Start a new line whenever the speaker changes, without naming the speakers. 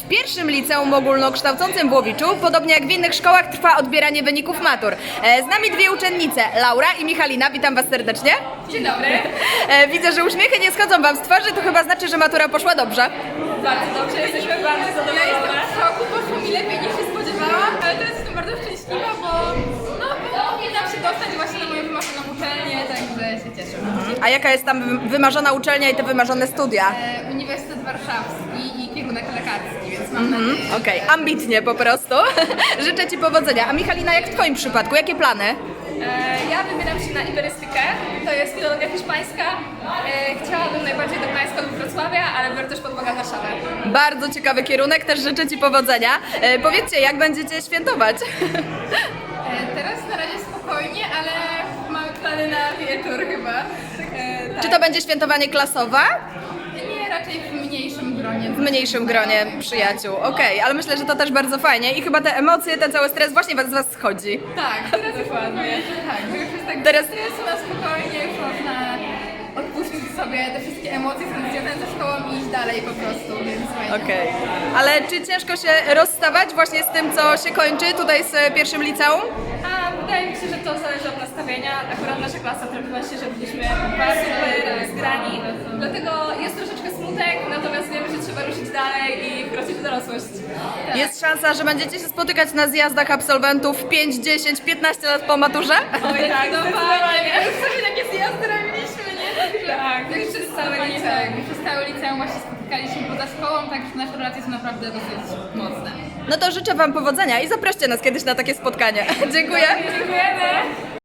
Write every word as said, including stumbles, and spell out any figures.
W pierwszym liceum ogólnokształcącym w Łowiczu, podobnie jak w innych szkołach, trwa odbieranie wyników matur. E, Z nami dwie uczennice, Laura i Michalina. Witam Was serdecznie.
Dzień dobry.
E, Widzę, że uśmiechy nie schodzą Wam z twarzy, to chyba znaczy, że matura poszła dobrze.
Bardzo dobrze, jesteśmy bardzo zadowolone. Ja jestem w szoku, poszło mi lepiej niż się spodziewałam, ale teraz jestem bardzo szczęśliwa, bo no, powinnam się dostać właśnie na moją wymarzoną uczelnię, także się cieszę.
A jaka jest tam wy- wymarzona uczelnia i te wymarzone studia?
E, Uniwersytet Warszawski i kierunek lekarski, więc mam nadzieję.
Okej, ambitnie po prostu. Życzę Ci powodzenia. A Michalina, jak w Twoim przypadku? Jakie plany?
E, ja wybieram się na iberystykę, to jest filologia hiszpańska. E, chciałabym najbardziej do Gdańska lub Wrocławia, ale biorę też pod uwagę Warszawę.
Bardzo ciekawy kierunek, też życzę Ci powodzenia. E, Powiedzcie, jak będziecie świętować?
E, teraz na razie spokojnie, ale mamy plany na wieczór chyba. E, tak.
Czy to będzie świętowanie klasowe?
Nie, raczej w mniejszym gronie.
W mniejszym gronie przyjaciół. Okej, ale myślę, że to też bardzo fajnie i chyba te emocje, ten cały stres właśnie was- z Was schodzi.
Tak, teraz dokładnie. Tak, że już jest tak
Teraz-
stresu na spokojnie, już można odpuścić sobie te wszystkie emocje związane ze szkołą i iść dalej po prostu, więc fajnie.
Okej. Ale czy ciężko się rozstawać właśnie z tym, co się kończy tutaj z e, pierwszym liceum?
A wydaje mi się, że to zależy od nastawienia. Akurat nasza klasa trafiła się, że byliśmy bardzo super zgrani, dlatego jest troszeczkę smutek, natomiast wiemy, że trzeba ruszyć dalej i wkroczyć w dorosłość.
Jest szansa, że będziecie się spotykać na zjazdach absolwentów pięć, dziesięć, piętnaście lat po maturze?
Oj tak, zdecydowanie.
Już sobie takie zjazdy robiliśmy, nie?
Tak,
Tak, przez całe liceum. Przez całe liceum właśnie spotykaliśmy poza szkołą, także nasze relacje są naprawdę dosyć mocne.
No to życzę Wam powodzenia i zaproście nas kiedyś na takie spotkanie. Dziękuję.
Dziękujemy.